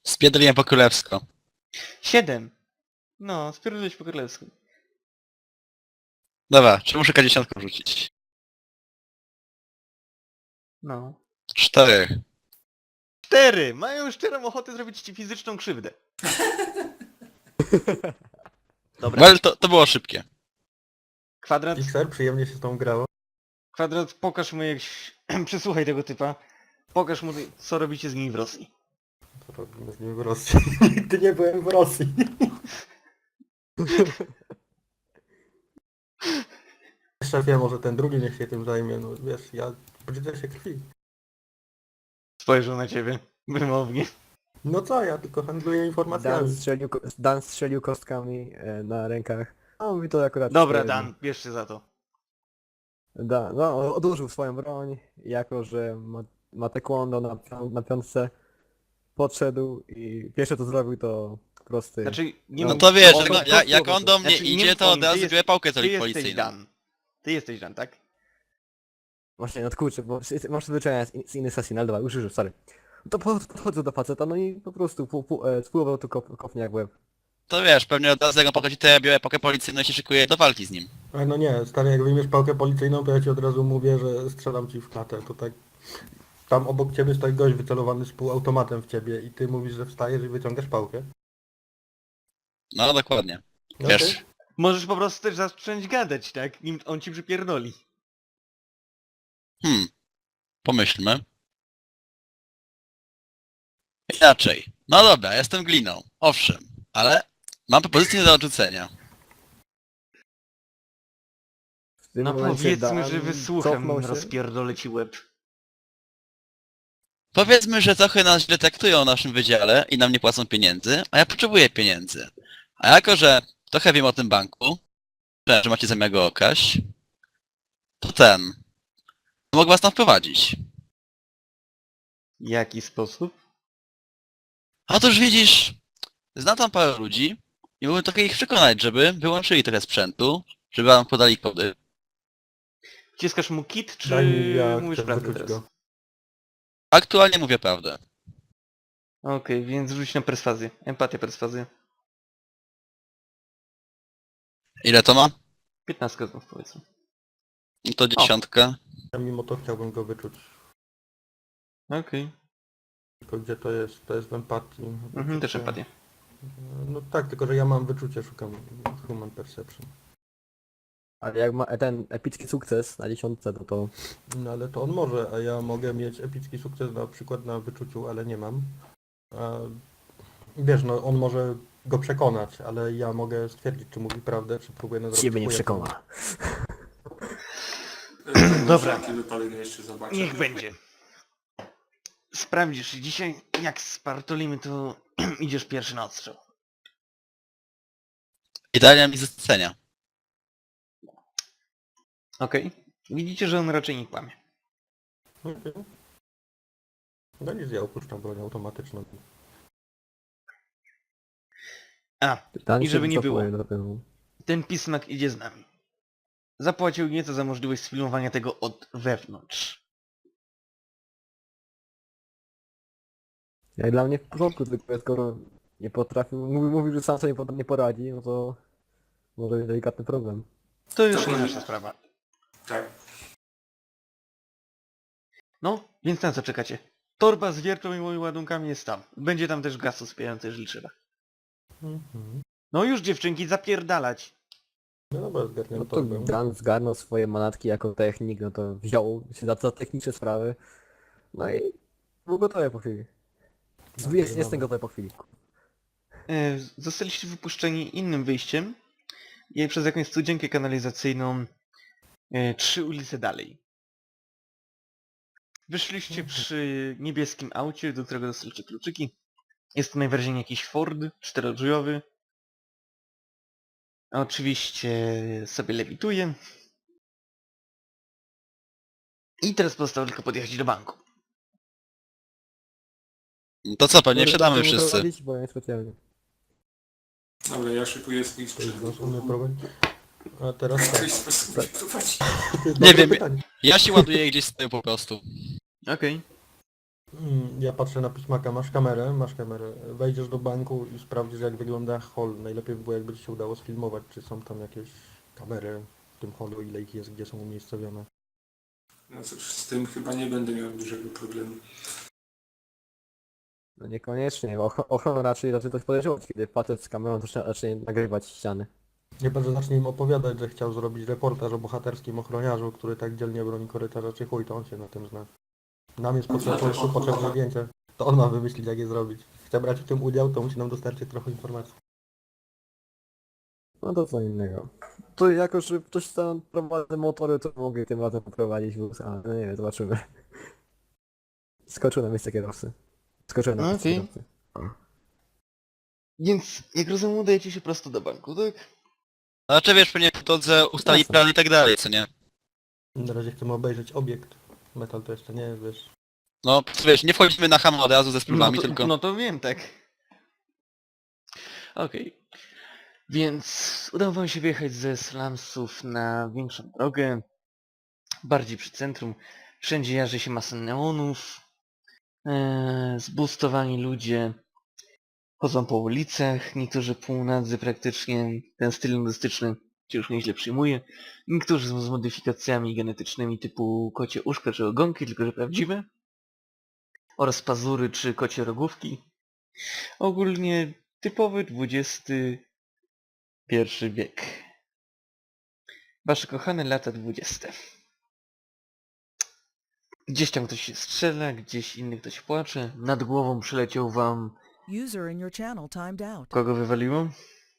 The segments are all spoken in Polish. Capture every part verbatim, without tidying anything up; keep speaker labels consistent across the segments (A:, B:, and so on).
A: Spierdoliłem po królewsko.
B: Siedem. No, spierdolić po królewsku.
A: Dobra, czy muszę K dziesięć rzucić?
B: No.
A: Cztery.
B: Cztery! Mają szczerą ochotę zrobić ci fizyczną krzywdę. Dobra.
A: Well, to, to było szybkie.
B: Kwadrat,
C: Pixar, przyjemnie się z tą grało.
B: kwadrat, pokaż mu jak... Przesłuchaj tego typa. Pokaż mu, co robicie z nim w Rosji.
C: Co robimy z nim w Rosji? Nigdy nie byłem w Rosji. Szefie, może ten drugi niech się tym zajmie, no wiesz, ja brzydzę się krwi.
B: Spojrzał na ciebie. Wymownie.
C: No co, ja tylko handluję
D: Dan
C: informacjami.
D: strzelił, ko- Dan strzelił kostkami e, na rękach. A mówi to akurat...
B: Dobra,
D: cztery.
B: Dan, bierz się za to.
D: Da, no, odłożył swoją broń, jako że ma, ma taekwondo na, pią- na piątce. Podszedł i pierwsze co zrobił to prosty...
B: Znaczy, nie
A: No
B: mów-
A: to wiesz,
B: o-
A: jak,
B: o-
A: on- jak, jak on do mnie
B: Znaczy, nie
A: idzie,
B: mów
A: to
B: o
A: od
B: nim, ty
A: razu
B: jest-
A: biorę pałkę
B: Ty jesteś
A: policyjną.
B: Dan. Ty jesteś Dan, tak?
D: Właśnie, no kurczę, bo sy- masz zwyczajnie z, in- z innych sesji, ale dobra, już już, sorry. To po- podchodzę do faceta, no i po prostu pu, pu, e, spływał tu kop, kopnie jak w łeb.
A: To wiesz, pewnie od razu jak on podchodzi, to ja biorę pałkę policyjną i się szykuję do walki z nim.
C: Ale no nie, stary, jak wyjmiesz pałkę policyjną, to ja ci od razu mówię, że strzelam ci w klatę, to tak... Tam obok ciebie stoi gość wycelowany z półautomatem w ciebie i ty mówisz, że wstajesz i wyciągasz pałkę.
A: No dokładnie.
C: No
A: Wiesz,
C: okej.
B: Możesz po prostu też zacząć gadać, tak? Nim on ci przypierdoli.
A: hmm, pomyślmy. Inaczej. No dobra, jestem gliną, owszem, ale mam propozycję do odrzucenia.
D: W tym
B: No
D: momencie
B: powiedzmy,
D: Dan
B: że wysłuchem
D: cofnął się.
B: rozpierdolę ci łeb.
A: Powiedzmy, że trochę nas źle traktują w naszym wydziale i nam nie płacą pieniędzy, a ja potrzebuję pieniędzy. A jako, że trochę wiem o tym banku, że macie zamiar go okraść, to ten... mogę was tam wprowadzić.
B: W jaki sposób?
A: Otóż widzisz, znam tam parę ludzi i mógłbym trochę ich przekonać, żeby wyłączyli trochę sprzętu, żeby wam podali kody.
B: Wciskasz mu kit, czy
C: Daj mi, ja
B: mówisz
C: chcę
B: prawdę
C: wyczuć
B: teraz?
C: go.
A: Aktualnie mówię prawdę.
B: Okej, więc rzuć na perswazję. Empatię, perswazję.
A: Ile to ma?
B: piętnastkę znów powiedzmy.
A: No to dziesiątka.
C: Ja mimo to chciałbym go wyczuć.
B: Okej.
C: Tylko gdzie to jest? To jest w empatii.
B: Mhm, też empatię.
C: No tak, tylko że ja mam wyczucie, szukam human perception.
D: Ale jak ma ten epicki sukces na dziesiątce, to to...
C: No ale to on może, a ja mogę mieć epicki sukces na przykład na wyczuciu, ale nie mam. A, wiesz, no on może go przekonać, ale ja mogę stwierdzić, czy mówi prawdę, czy próbuje nas
D: Ciebie nie
C: chuja.
D: przekona.
B: Dobra.
E: Taki wypadek jeszcze zobaczę.
B: Niech będzie. Sprawdzisz dzisiaj, jak spartolimy, to idziesz pierwszy na odstrzał.
A: I daję mi zlecenia.
B: Okej. Widzicie, że on raczej nie kłamie.
C: Okej. No nic, ja opuszczam broń automatyczną.
B: A,
D: Dan
B: I
D: się
B: żeby nie było.
D: wycofuje do tyłu.
B: ten pismak idzie z nami. Zapłacił nieco za możliwość sfilmowania tego od wewnątrz.
D: Jak dla mnie w porządku, tylko skoro nie potrafił, mówił, mówił, że sam sobie nie pod- nie poradzi, no to może być delikatny problem.
B: To już
E: To
B: nie
E: nie.
B: nasza sprawa.
E: Tak.
B: No, więc na co czekacie? Torba z wiertą i moimi ładunkami jest tam. Będzie tam też gaz uspierający, jeżeli trzeba.
C: Mhm.
B: No już dziewczynki, zapierdalać.
C: No dobra,
D: No
C: zgarniam
D: to
C: torbę.
D: Dan zgarnął swoje manatki jako technik, no to wziął się za, za techniczne sprawy. No i był gotowy po chwili.
C: No,
D: Jest,
C: to
D: jestem
C: dobra.
D: gotowy po chwili.
B: E, zostaliście wypuszczeni innym wyjściem i przez jakąś studzienkę kanalizacyjną e, trzy ulice dalej. Wyszliście przy niebieskim aucie, do którego dostaliście kluczyki. Jest to najwyraźniej jakiś Ford czterodrzwiowy. Oczywiście sobie lewituje. I teraz pozostało tylko podjechać do banku.
A: To co, pewnie
D: Może
A: wsiadamy
D: będę
A: wszyscy.
D: prowadzić, Bo ja nie specjalnie.
E: Dobra, ja szykuję swój
C: To
E: sprzęt.
C: jest nasz umie prowadzić. A teraz
E: W
C: tak.
E: jakiś sposób nie prowadzi.
C: To jest
A: Nie
C: dobre
A: wiem.
C: pytanie.
A: Ja się ładuję gdzieś z tyłu po prostu.
B: Okej.
C: Mm, Ja patrzę na pismaka, masz kamerę, masz kamerę. Wejdziesz do banku i sprawdzisz jak wygląda hall. Najlepiej by było jakby ci się udało sfilmować, czy są tam jakieś kamery w tym hallu, ile ich jest, gdzie są umiejscowione.
E: No cóż, z tym chyba nie będę miał dużego problemu.
D: No niekoniecznie, och- ochronę raczej raczej coś podejrzewać, kiedy facet z kamerą zaczyna raczej nagrywać ściany.
C: Chyba, że zacznie im opowiadać, że chciał zrobić reportaż o bohaterskim ochroniarzu, który tak dzielnie broni korytarza, czy chuj, to on się na tym zna. Nam jest potrzebne, po prostu potrzebne zdjęcie. To on ma wymyślić, jak je zrobić. Chce brać w tym udział, to musi nam dostarczyć trochę informacji.
D: No to co innego. To jako, że ktoś tam prowadzi motory, to mogę tym razem poprowadzić wóz, ale no nie wiem, zobaczymy. Skoczył na miejsce kierowcy. Skoczyłem na miejsce
B: Okej.
D: kierowcy.
B: Więc, jak rozumiem, udajecie się prosto do banku, tak?
A: Znaczy wiesz, pewnie po drodze ustali
D: Jasne.
A: plan i tak dalej, co nie?
C: Na razie chcemy obejrzeć obiekt. Metal to jeszcze nie, wiesz.
A: No wiesz, nie wchodzimy na ham od razu ze
B: No
A: sprawami,
B: to,
A: tylko...
B: no to wiem, tak. Okej. Więc udało wam się wyjechać ze slumsów na większą drogę. Bardziej przy centrum. Wszędzie jarzy się masa neonów. Eee, zbustowani ludzie chodzą po ulicach. Niektórzy półnadzy praktycznie. Ten styl nudystyczny się już nieźle przyjmuje. Niektórzy z modyfikacjami genetycznymi typu kocie uszka czy ogonki, tylko że prawdziwe. Oraz pazury czy kocie rogówki. Ogólnie typowy dwudziesty pierwszy wiek. Wasze kochane lata dwudzieste. Gdzieś tam ktoś się strzela, gdzieś inny ktoś płacze. Nad głową przyleciał wam...
F: User in your channel timed out.
B: Kogo wywaliło?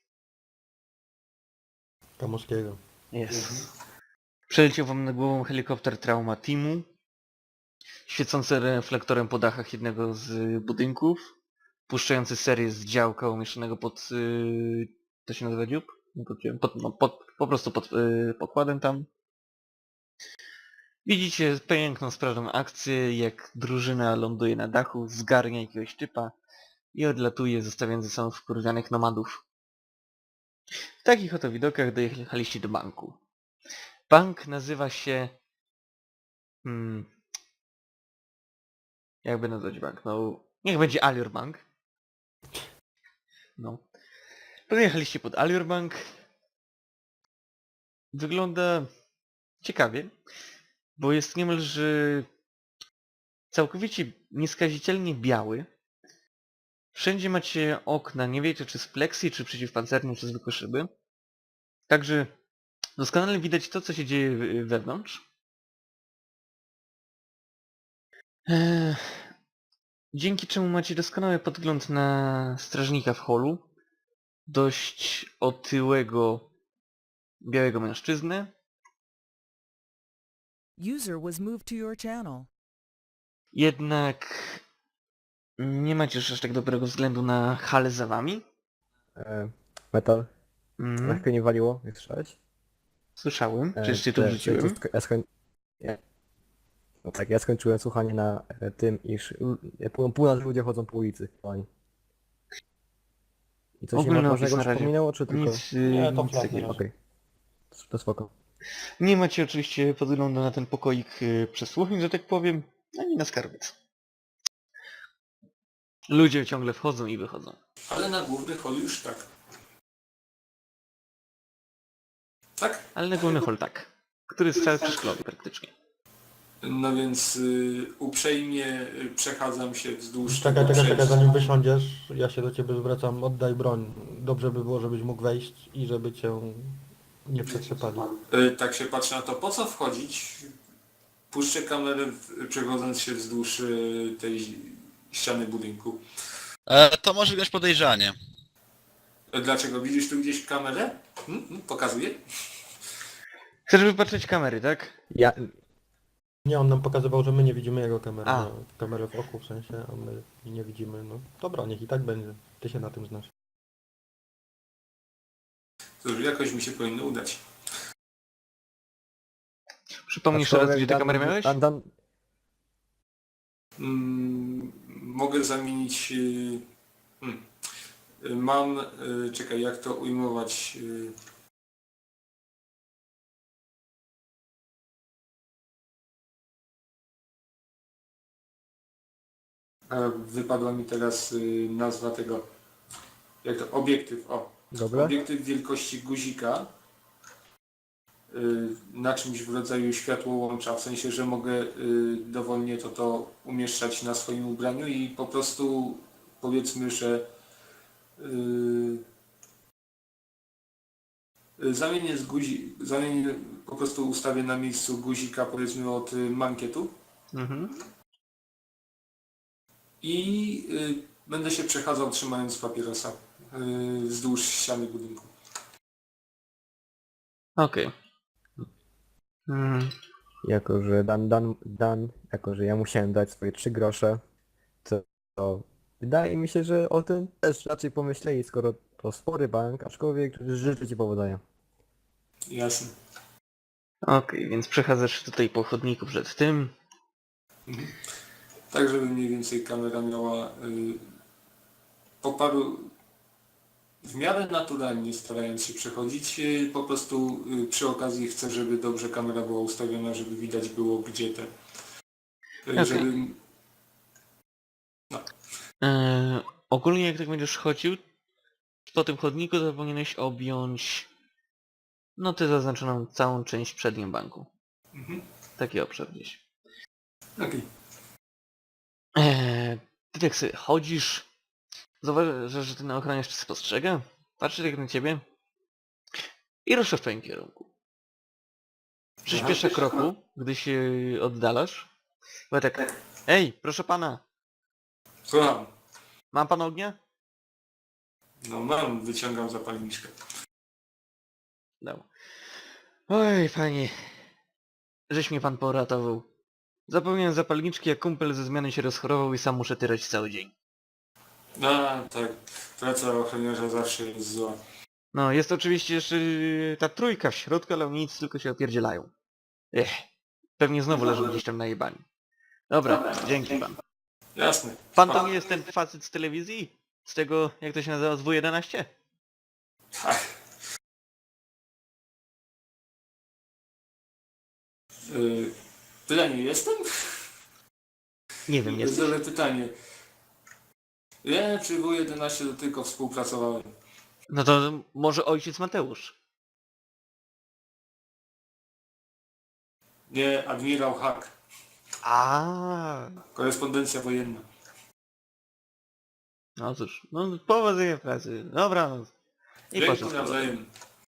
C: Kamoskiego.
B: Jest. Przeleciał wam nad głową helikopter Trauma Teamu. Świecący reflektorem po dachach jednego z budynków. Puszczający serię z działka umieszczonego pod... Yy, to się nazywa dziób? Nie podjąłem. Pod, no, pod, po prostu pod yy, pokładem tam. Widzicie piękną, sprawną akcję, jak drużyna ląduje na dachu, zgarnia jakiegoś typa i odlatuje, zostawiając ze sobą wkurwianych nomadów. W takich oto widokach dojechaliście do banku. Bank nazywa się... Hmm, jakby nazwać bank? No, niech będzie Allure Bank. No. Podjechaliście pod Allure Bank. Wygląda ciekawie, bo jest niemalże całkowicie nieskazitelnie biały. Wszędzie macie okna, nie wiecie czy z pleksji, czy przeciwpancerne, czy zwykłe szyby. Także doskonale widać to, co się dzieje w- wewnątrz. Eee, dzięki czemu macie doskonały podgląd na strażnika w holu. Dość otyłego, białego mężczyznę.
F: User was moved to your channel.
B: Jednak nie macie już aż tak dobrego względu na halę za wami.
D: E, metal.
B: Mhm.
D: Lekko nie waliło, jak słyszałeś?
B: Słyszałem,
D: E,
B: przecież cię tu
D: te-
B: wrzuciłem.
D: te- te- ja skoń... ja... No tak, ja skończyłem słuchanie na e, tym, iż l- e, pół, pół nas ludzie chodzą po ulicy. Oni. I coś nie
B: Ogólny
D: ma
B: opis
D: ważnego
B: na razie.
D: przypominało, czy tylko...
B: Nic, y,
C: Nie, to
B: nic
C: flat
B: takiego.
C: na
D: Okej. To spoko.
B: Nie macie oczywiście podglądu na ten pokoik y, przesłuchań, że tak powiem, ani na skarbiec. Ludzie ciągle wchodzą i wychodzą.
E: Ale na główny hol już tak. Tak?
B: Ale na główny hol tak. Który jest cały przeszklony praktycznie.
E: No więc y, uprzejmie y, przechadzam się wzdłuż
C: Czekaj,
E: tego
C: czekaj, czekaj,
E: przejścia.
C: zanim wysiądziesz, ja się do ciebie zwracam, oddaj broń. Dobrze by było, żebyś mógł wejść i żeby cię nie przetrzepali.
E: Y, tak się patrzę na to, po co wchodzić? Puszczę kamerę w- przechodząc się wzdłuż y, tej ściany budynku.
A: E, to może wyglądać podejrzanie.
E: Y, Dlaczego? Widzisz tu gdzieś kamerę? Hmm? Hmm? Pokazuję?
B: Chcesz wypatrzeć kamery, tak?
D: Ja...
C: Nie, on nam pokazywał, że my nie widzimy jego kamery.
B: A.
C: No, kamerę w oku w sensie, a my nie widzimy. No dobra, niech i tak będzie. Ty się na tym znasz.
E: Cóż, jakoś mi się powinno udać.
B: Przypomnij jeszcze raz,
D: Aczkolwiek
B: gdzie te
D: Dan-
B: kamery miałeś?
D: Dan, Dan,
E: Mm, mogę zamienić... y, hmm. Y, Mam... y, Czekaj, jak to ujmować? y, A wypadła mi teraz y, nazwa tego, jak to, obiektyw, o.
D: Gogle?
E: Obiektyw wielkości guzika y, na czymś w rodzaju światłołącza, w sensie, że mogę y, dowolnie to to umieszczać na swoim ubraniu i po prostu powiedzmy, że y, y, zamienię z guzi, zamienię, po prostu ustawię na miejscu guzika powiedzmy od y, mankietu
B: Mhm.
E: i y, będę się przechadzał trzymając papierosa y, wzdłuż ściany budynku.
B: Okej. Mm,
D: Jako, że Dan, Dan, Dan, jako, że ja musiałem dać swoje trzy grosze, to, to wydaje mi się, że o tym też raczej pomyśleli, skoro to spory bank, aczkolwiek życzę ci powodzenia.
E: Jasne.
B: Okej, więc przechadzasz się tutaj po chodniku przed tym.
E: Tak, żeby mniej więcej kamera miała y, po paru w miarę naturalnie starając się przechodzić, y, po prostu y, przy okazji chcę, żeby dobrze kamera była ustawiona, żeby widać było gdzie te. y,
B: Okej.
E: Żeby
B: Eee, ogólnie jak tak będziesz chodził po tym chodniku, to powinieneś objąć no tę zaznaczoną całą część przednią banku.
E: mhm.
B: Taki obszar gdzieś.
E: Okej.
B: Eee, ty tak sobie chodzisz, zauważasz, że ten ochroniarz cię spostrzega, patrzy tak na ciebie i rusza w twoim kierunku. Przyspiesza kroku, gdy się oddalasz. Bo tak, ej, proszę pana,
E: Słucham.
B: ma pan ognia?
E: No mam, wyciągam zapalniczkę.
B: No. Oj, panie, żeś mnie pan poratował. Zapomniałem zapalniczki, jak kumpel ze zmiany się rozchorował i sam muszę tyrać cały dzień.
E: A tak, praca ochroniarza zawsze jest zła.
B: No, jest oczywiście jeszcze yy, ta trójka w środku, ale oni nic, tylko się opierdzielają. Ech, pewnie znowu leżą gdzieś tam na jebaniu. Dobra, dzięki pan.
E: Jasne.
B: Pan to nie jest ten facet z telewizji? Z tego, jak to się nazywa, z W jedenaście?
E: Tak. Y, Pytanie jestem?
B: Nie wiem, nie.
E: Zadam pytanie. Nie, przy W jedenaście to tylko współpracowałem.
B: No to może ojciec Mateusz.
E: Nie, admirał Hack.
B: A,
E: Korespondencja wojenna.
B: no cóż, no powodzenia w pracy. Dobra, no. I
E: Dzięki
B: poszedł.
E: nawzajem.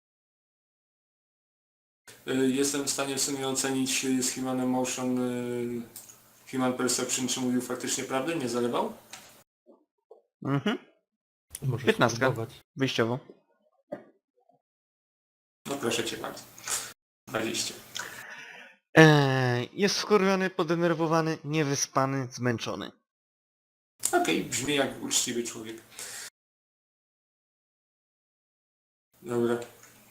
E: Y, Jestem w stanie w sumie ocenić y, z Human Emotion, y, Human Perception, czy mówił faktycznie prawdę, nie zalewał?
B: Mhm,
C: Możesz
B: Piętnastka.
C: spróbować.
B: wyjściowo.
E: No proszę cię bardzo. dwadzieścia.
B: Eee, jest wkurwiony, podenerwowany, niewyspany, zmęczony.
E: Okej, brzmi jak uczciwy człowiek. Dobra.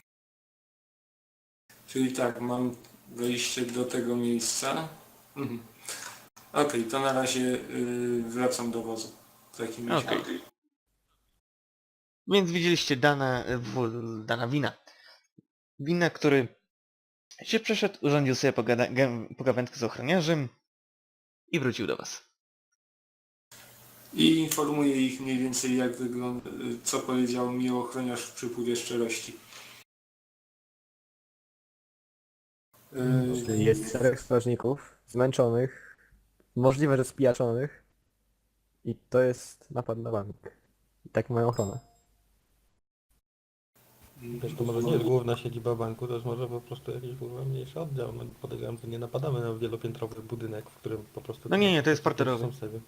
E: Czyli tak, mam wejście do tego miejsca. Mhm. Okej, to na razie y, wracam do wozu. W takim razie.
B: Okej. Więc widzieliście Dana, w, Dana Wina. Wina, który się przeszedł, urządził sobie pogada, gę- pogawędkę z ochroniarzem i wrócił do was.
E: I informuję ich mniej więcej jak wygląda, y, co powiedział mi ochroniarz w przypływie szczerości. Y,
D: Czyli jest czterech strażników, zmęczonych, możliwe, że spijaczonych i to jest napad na bank. I tak mają ochronę.
C: Wiesz, to może nie jest główna siedziba banku, to jest może po prostu jakiś kurwa mniejszy oddział. No, podejrzewam, że nie napadamy na wielopiętrowy budynek, w którym po prostu...
B: No nie, nie, to jest parterowy.
C: są sobie.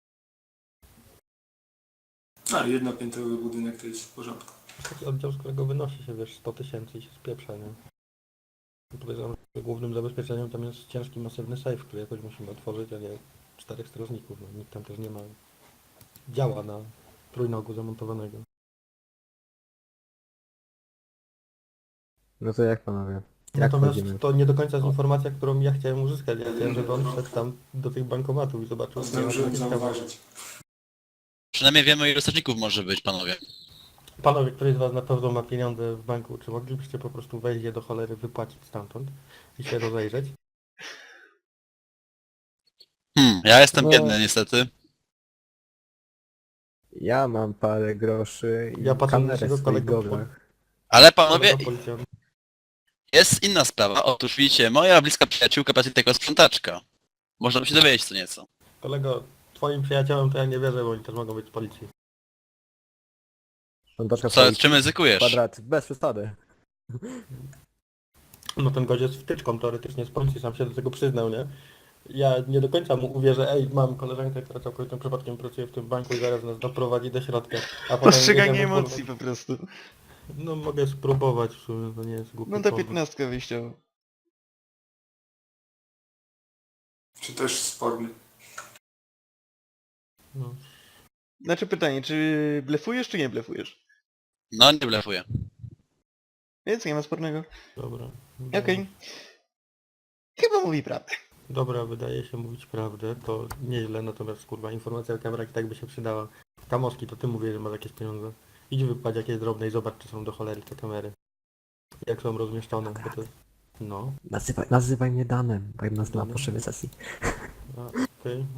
E: A, jednopiętrowy budynek to jest w porządku.
C: Taki oddział, z którego wynosi się, wiesz, sto tysięcy i się spieprza, nie? Podejrzewam, że głównym zabezpieczeniem tam jest ciężki, masywny safe, który jakoś musimy otworzyć, a nie czterech strażników. No, nikt tam też nie ma działa na trójnogu zamontowanego.
D: No to jak panowie? Jak
C: Natomiast
D: chodzimy?
C: to nie do końca jest informacja, którą ja chciałem uzyskać. Ja chciałem, żeby on wszedł tam do tych bankomatów i zobaczył, co
E: Zdążyłem zauważyć.
A: Przynajmniej wiemy, ile strażników może być, panowie.
C: Panowie, któryś z was na pewno ma pieniądze w banku, czy moglibyście po prostu wejść je do cholery, wypłacić stamtąd i się rozejrzeć?
A: Hmm, ja jestem
D: No.
A: biedny niestety.
D: Ja mam parę groszy i
C: Ja patrzę na
D: kamerę
C: naszego
D: w swoich
C: kolegę po-
D: goglach.
A: Ale panowie,
C: Kolega policjant.
A: jest inna sprawa. Otóż widzicie, moja bliska przyjaciółka pracuje tylko sprzątaczka. Można by się dowiedzieć co nieco.
C: Kolego, twoim przyjaciołom to ja nie wierzę, bo oni też mogą być z policji.
D: Rządaczka
A: Co,
D: policji,
A: czym ryzykujesz?
D: kwadrat, bez przesady.
C: No ten gość jest wtyczką teoretycznie z policji, sam się do tego przyznał, nie? Ja nie do końca mu uwierzę, ej, mam koleżankę, która całkowitym przypadkiem pracuje w tym banku i zaraz nas doprowadzi do środka. A potem
B: Postrzeganie
C: jedziemy, kurwa-
B: emocji po prostu.
C: No mogę spróbować w sumie, to nie jest głupi
B: No to
C: pomysł.
B: piętnastka wyjściowa.
E: Czy też sporny.
C: No,
B: Znaczy pytanie, czy blefujesz, czy nie blefujesz?
A: No nie blefuję.
B: Więc nie ma spornego.
C: dobra.
B: Okej. Chyba mówi prawdę.
C: Dobra, wydaje się mówić prawdę, to nieźle, natomiast kurwa informacja o kamerach i tak by się przydała. Kamoski, to ty mówisz, że masz jakieś pieniądze. Idź wypłać jakieś drobne i zobacz, czy są do cholery te kamery. Jak są rozmieszczone, bo to... No,
D: Nazywaj, nazywaj mnie Danem, bo nas na
C: Danem?
D: potrzeby sesji.
C: a, okej.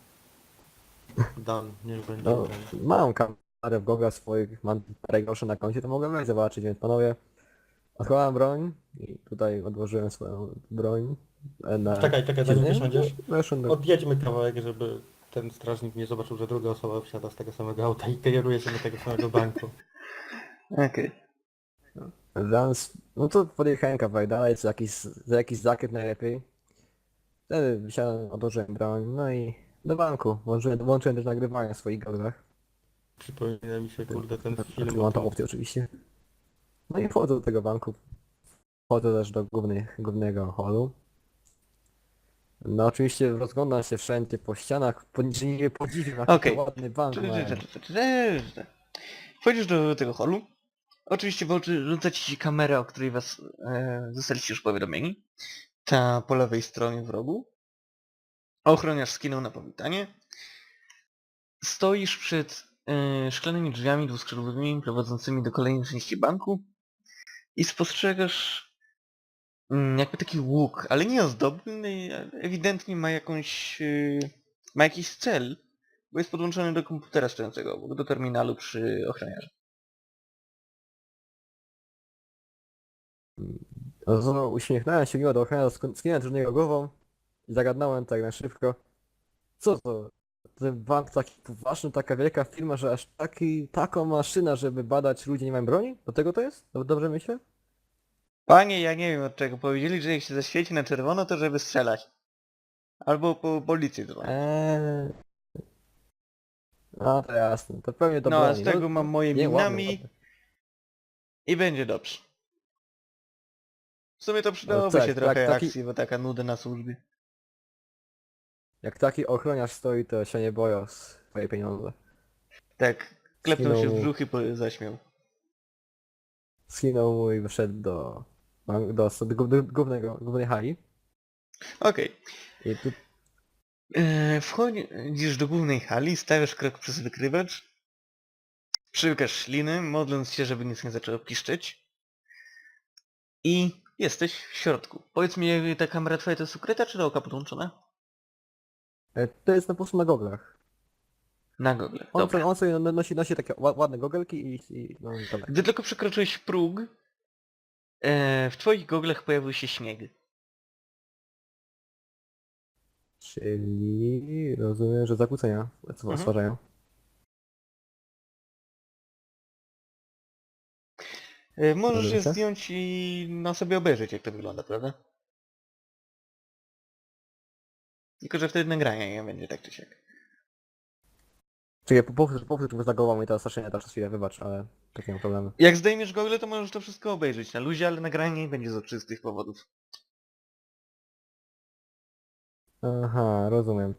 C: Dan, niech będzie
D: No,
C: Dan.
D: mam kamerę w goglach swoich, mam parę groszy na koncie, to mogę wejść zobaczyć, więc panowie, odkładam broń i tutaj odłożyłem swoją broń. e, Na...
C: Czekaj, czekaj, zanim
D: Nie?
C: wysiądziesz.
D: Weszłem do...
C: Odjedźmy kawałek, żeby ten strażnik nie zobaczył, że druga osoba wsiada z tego samego auta i kieruje się do tego samego banku.
B: Okej.
D: Zamiast... No to podjechałem kawałek dalej, za jakiś, za jakiś zakręt najlepiej. Wtedy wysiadłem, odłożyłem broń, no i do banku. Włączyłem, włączyłem też nagrywanie w swoich goglach.
C: Przypomina mi się, kurde, ten
D: Znaczy,
C: film
D: mam
C: o
D: tą
C: tym,
D: opcję oczywiście. No i wchodzę do tego banku. Wchodzę też do głównych, głównego holu. No oczywiście rozglądam się wszędzie po ścianach, po niczym nie podziwiam, jaki
B: Okej.
D: to ładny bank mają.
B: Wchodzisz do tego holu. Oczywiście w oczy rzuca ci się kamera, o której was e, zostaliście już powiadomieni. Ta po lewej stronie w rogu. Ochroniarz skinął na powitanie. Stoisz przed e, szklanymi drzwiami dwuskrzydłowymi prowadzącymi do kolejnej części banku i spostrzegasz mm, jakby taki łuk, ale nie ozdobny, ale ewidentnie ma jakąś e, ma jakiś cel, bo jest podłączony do komputera stojącego obok, do terminalu przy ochroniarzu.
D: No to uśmiechnąłem się miło do ochrony, skinąłem do niego głową i zagadnąłem tak na szybko. Co to? Ten bank taki poważny, taka wielka firma, że aż taki, taką maszyna, żeby badać ludzi nie mają broni? Do tego to jest? Dob- Dobrze myślę?
B: Panie, ja nie wiem od czego. Powiedzieli, że jak się zaświeci na czerwono, to żeby strzelać. Albo po policję dzwonić.
D: Eee... No to jasne, to pewnie do
B: No, a
D: broni.
B: z tego mam moje
D: nie, ładne,
B: minami
D: ładne.
B: i będzie dobrze. W sumie to przydałoby
D: tak,
B: się
D: tak,
B: trochę
D: taki-
B: akcji, bo taka nuda na służbie.
D: Jak taki ochroniarz stoi, to się nie boją swoje pieniądze.
B: Tak, klepnął się w
D: Skinął-
B: brzuch i po- zaśmiał.
D: Skinął mu i wyszedł do, do, do, do, do głównego, głównej hali.
B: Okej.
D: I tu
B: Eee, wchodzisz do głównej hali, stawiasz krok przez wykrywacz. Przyłykasz śliny, modląc się, żeby nic nie zaczęło piszczeć. I jesteś w środku. Powiedz mi, ta kamera twoja to jest ukryta, czy do oka podłączona?
D: e, to jest na po prostu na goglach.
B: Na gogle.
D: On,
B: Dobra.
D: sobie, on sobie nosi, nosi takie ła- ładne gogelki i, i no i dobra.
B: Gdy tylko przekroczyłeś próg, e, w twoich goglach pojawił się śnieg.
D: Czyli rozumiem, że zakłócenia
B: Mhm.
D: stwarzają.
B: E, możesz je
D: Dobrze.
B: zdjąć i na sobie obejrzeć, jak to wygląda, prawda? Tylko, że wtedy nagrania nie będzie tak czy siak.
D: Czekaj, po- powtórz, powtórz, bo zagowało mi to straszenie teraz chwilę, wybacz, ale tak nie mam problemu.
B: Jak zdejmiesz gogle, to możesz to wszystko obejrzeć na luzie, ale nagranie nie będzie z oczywistych powodów.
D: Aha, rozumiem.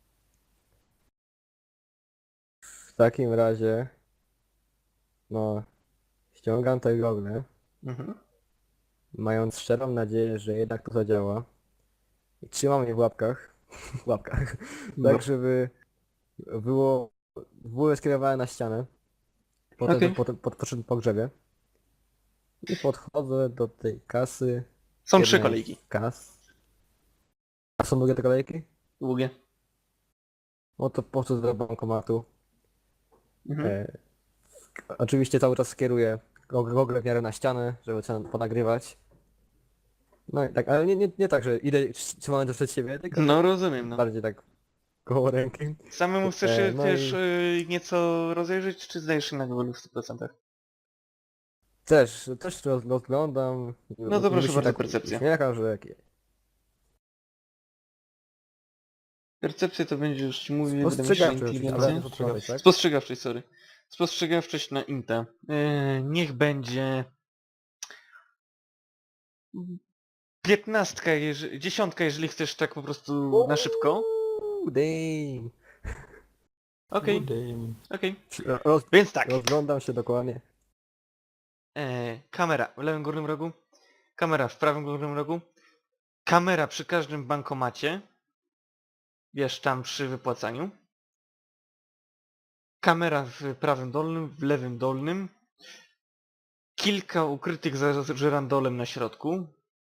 D: W takim razie... No... Ściągam te gogle,
B: Mhm.
D: mając szczerą nadzieję, że jednak to zadziała. I trzymam je w łapkach. W łapkach.
B: No.
D: Tak, żeby... Było... Były skierowane na ścianę. Potem,
B: Okej.
D: potem pod, poszedłem po grzebie. I podchodzę do tej kasy.
B: Są trzy
D: jednej
B: kolejki.
D: z Kas. A są długie te kolejki?
B: Długie.
D: No to podchodzę do bankomatu.
B: Mhm.
D: E, oczywiście cały czas kieruję gog- gogle w miarę na ścianę, żeby sobie ponagrywać. No i tak, ale nie, nie, nie tak, że idę trz- trzymając to przed siebie, tylko
B: No
D: tak
B: rozumiem, no.
D: bardziej tak koło ręki.
B: Samemu chcesz
D: E,
B: się
D: no
B: też
D: i
B: y, nieco rozejrzeć, czy zdajesz się na głowie w stu procentach?
D: też, też roz- rozglądam.
B: No to proszę
D: Niby się
B: bardzo,
D: tak
B: percepcja.
D: uśmiecha, że jak...
B: Percepcja to będzie, już ci mówię, wydaje mi się, że
D: Spostrzegawczy oczywiście, ale
B: inteligencja.
D: spostrzegawczość, tak?
B: Spostrzegawczość, sorry. Spostrzegawczość na Inta. Yy, niech będzie... Piętnastka, jeżeli... dziesiątka, jeżeli chcesz tak po prostu na szybko.
D: Uuu, damn.
B: Okej,
C: Good day.
B: okej.
D: Roz,
B: Więc tak.
D: rozglądam się dokładnie.
B: E, kamera w lewym górnym rogu. Kamera w prawym górnym rogu. Kamera przy każdym bankomacie. Wiesz, tam przy wypłacaniu. Kamera w prawym dolnym, w lewym dolnym. Kilka ukrytych za żyrandolem na środku.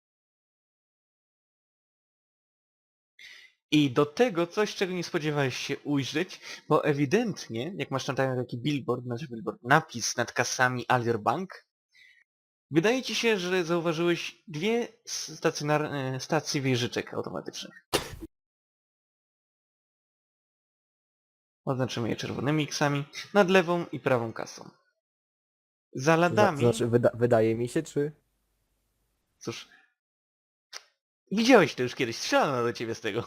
B: I do tego coś, czego nie spodziewałeś się ujrzeć, bo ewidentnie, jak masz tam taki billboard, znaczy billboard, napis nad kasami Alior Bank, wydaje ci się, że zauważyłeś dwie stacjonar- stacje wieżyczek automatycznych. Oznaczymy je czerwonymi X-ami, nad lewą i prawą kasą. Za
D: Zna-
B: ladami,
D: Znaczy, wyda wydaje mi się, czy...
B: cóż, widziałeś to już kiedyś, strzelano do ciebie z tego.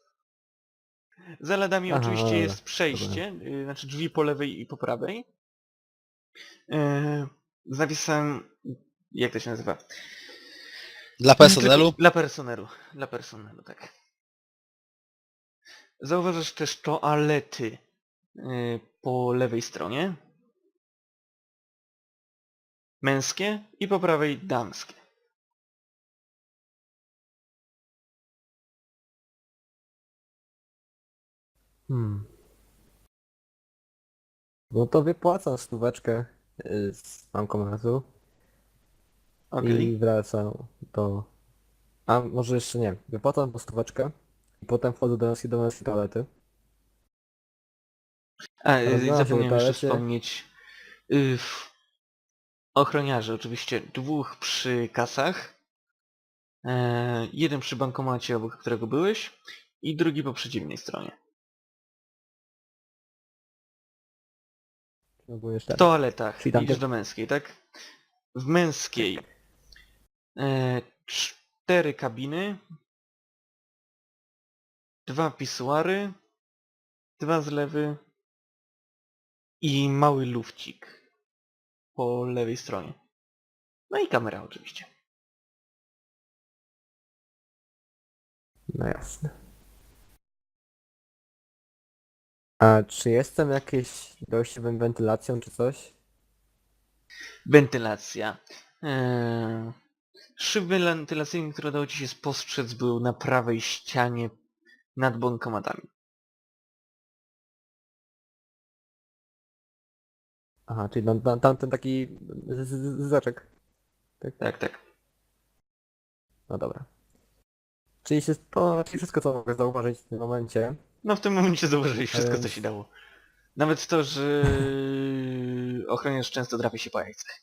B: Za ladami
D: Aha,
B: oczywiście
D: dobra,
B: jest przejście, y, znaczy drzwi po lewej i po prawej. Yy, z napisem, jak to się nazywa?
A: Dla personelu?
B: Dla personelu, dla personelu, tak. Zauważasz też toalety yy, po lewej stronie. Męskie i po prawej damskie.
D: Hmm. No to wypłacam stóweczkę y, z bankomatu
B: Okej.
D: i wracam do... A może jeszcze nie. Wypłacam po stóweczkę i potem wchodzę do męskiej, do męskiej toalety.
B: A, yy,
D: Rozglądam się w
B: zapomniałem jeszcze
D: toalecie.
B: wspomnieć. Yy, ochroniarzy oczywiście dwóch przy kasach. Yy, jeden przy bankomacie, obok którego byłeś. I drugi po przeciwnej stronie.
D: Ogólnie
B: W
D: cztery.
B: toaletach.
D: Czyli tam
B: Idziesz
D: te-
B: do męskiej, tak? W męskiej e, cztery kabiny, dwa pisuary, dwa zlewy i mały lufcik po lewej stronie. No i kamera oczywiście.
D: No jasne. A czy jestem jakieś dojściowym wentylacją czy coś?
B: Wentylacja. E, szyb wentylacyjny, który udało ci się spostrzec, był na prawej ścianie nad bankomatami.
D: Aha, czyli tam, tam, tamten taki z- z- z- zaczek.
B: Tak, tak.
D: No dobra. Czyli się, to czyli wszystko co mogę zauważyć w tym momencie.
B: No w tym momencie zauważyłeś wszystko, co
D: Więc-
B: się dało. Nawet to, że ochroniarz często drapie się po jajcach.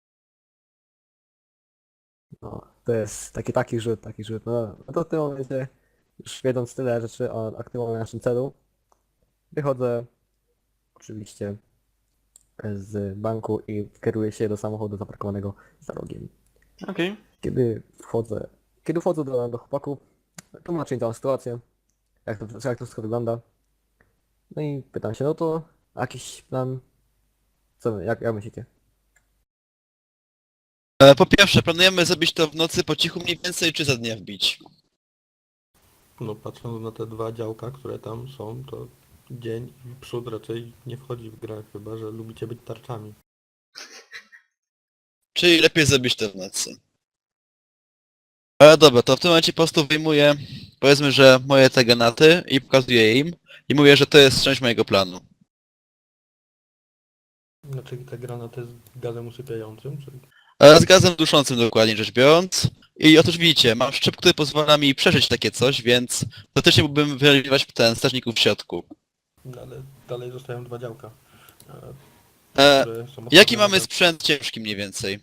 D: No, to jest taki taki rzut, taki rzut. No, no to w tym momencie, już wiedząc tyle rzeczy o aktualnym naszym celu, wychodzę oczywiście z banku i kieruję się do samochodu zaparkowanego za rogiem.
B: Okej.
D: Kiedy wchodzę, kiedy wchodzę do, do chłopaków, tłumaczę im całą sytuację, jak to, jak to wszystko wygląda. No i pytam się, no to jakiś plan, co wy, jak, jak myślicie?
A: E, Po pierwsze, planujemy zrobić to w nocy po cichu mniej więcej, czy za dnia wbić?
C: No patrząc na te dwa działka, które tam są, to dzień i przód raczej nie wchodzi w grę, chyba że lubicie być tarczami.
A: Czyli lepiej zrobić to w nocy. Ale dobra, to w tym momencie po prostu wyjmuję, powiedzmy, że moje te granaty i pokazuję im i mówię, że to jest część mojego planu.
C: Znaczy te granaty z gazem usypiającym, czy...
A: Ale z gazem duszącym dokładnie rzecz biorąc. I otóż widzicie, mam szczyp, który pozwala mi przeżyć takie coś, więc faktycznie mógłbym wyeliminować ten strażników w środku.
C: No, ale dalej zostają dwa działka. e,
A: E,
C: które są
A: jaki
C: odpowiedzialne
A: mamy
C: za
A: sprzęt ciężki mniej więcej?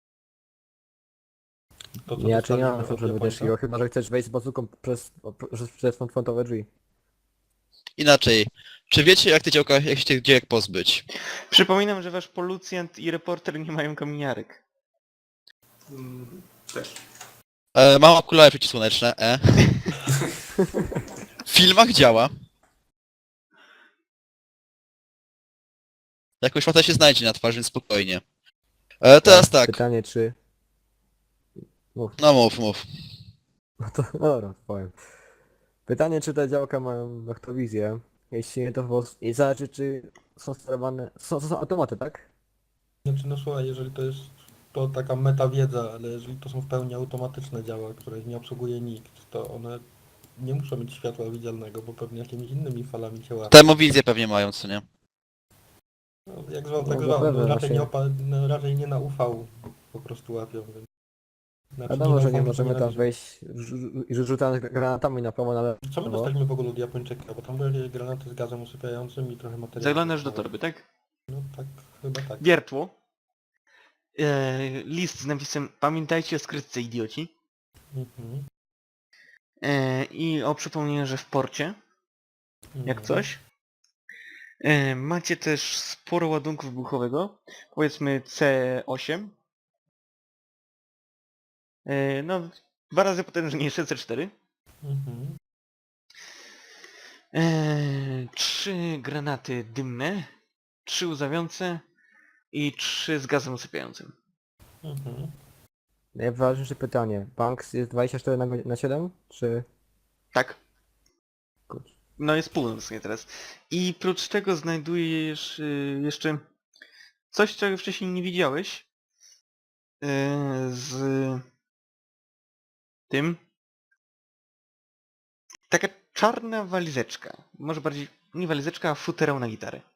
C: to, co
D: Ja czy nie mam
C: dostaliśmy od
D: sprzętu
C: Japońca?
D: ciężkiego, chyba że chcesz wejść z bazuką przez, przez, przez frontowe drzwi.
A: Inaczej, czy wiecie jak te działka, jak się tych działek pozbyć?
B: Przypominam, że wasz policjant i reporter nie mają kominiarek.
E: Mm, też.
A: E, mam okulary przeciwsłoneczne, e. W filmach działa. Jakoś łata się znajdzie na twarzy, więc spokojnie. E, teraz tak,
D: Pytanie czy... Mów.
A: no mów, mów.
D: No to no dobra, powiem. Pytanie czy te działka mają noktowizję. Jeśli nie to wos... I zależy czy są sterowane... Są, są automaty, tak?
C: Znaczy, no słuchaj, jeżeli to jest to taka metawiedza, ale jeżeli to są w pełni automatyczne działa, których nie obsługuje nikt, to one nie muszą mieć światła widzialnego, bo pewnie jakimiś innymi falami cię łapią.
A: Termowizję pewnie mają, co nie?
C: No, jak zwał,
D: No,
C: tak
D: zapewne,
C: zwał, no, raczej, nie
D: właśnie.
C: opa- no, raczej nie na U V po prostu łapią, więc... Znaczy,
D: Wiadomo,
C: na
D: że
C: U V,
D: nie
C: tylko
D: możemy
C: na
D: tam
C: wizję.
D: wejść i rzucając granatami na prawo, na lewo.
C: Co my dostaliśmy w ogóle od Japończyka? Bo tam były jakieś granaty z gazem usypiającym i trochę materiału.
B: Zaglądasz do torby, tak?
C: No tak, chyba tak.
B: Wiertło. E, list z napisem pamiętajcie o skrytce, idioci.
C: Mhm.
B: E, I o przypomnieniu, że w porcie, jak
C: Mhm.
B: coś. E, macie też sporo ładunku wybuchowego. Powiedzmy C osiem. E, no, dwa razy potężniejsze C cztery.
C: Mhm.
B: E, trzy granaty dymne. Trzy łzawiące. I trzy z gazem usypiającym.
C: Mhm.
D: Najważniejsze pytanie. Banks jest dwadzieścia cztery na, godzi- na siedem? Czy...
B: Tak.
D: Kurczę.
B: No jest północ nie teraz. I prócz tego znajdujesz y, jeszcze coś, czego wcześniej nie widziałeś. Y, z tym. Taka czarna walizeczka. Może bardziej nie walizeczka, a futerał na gitarę.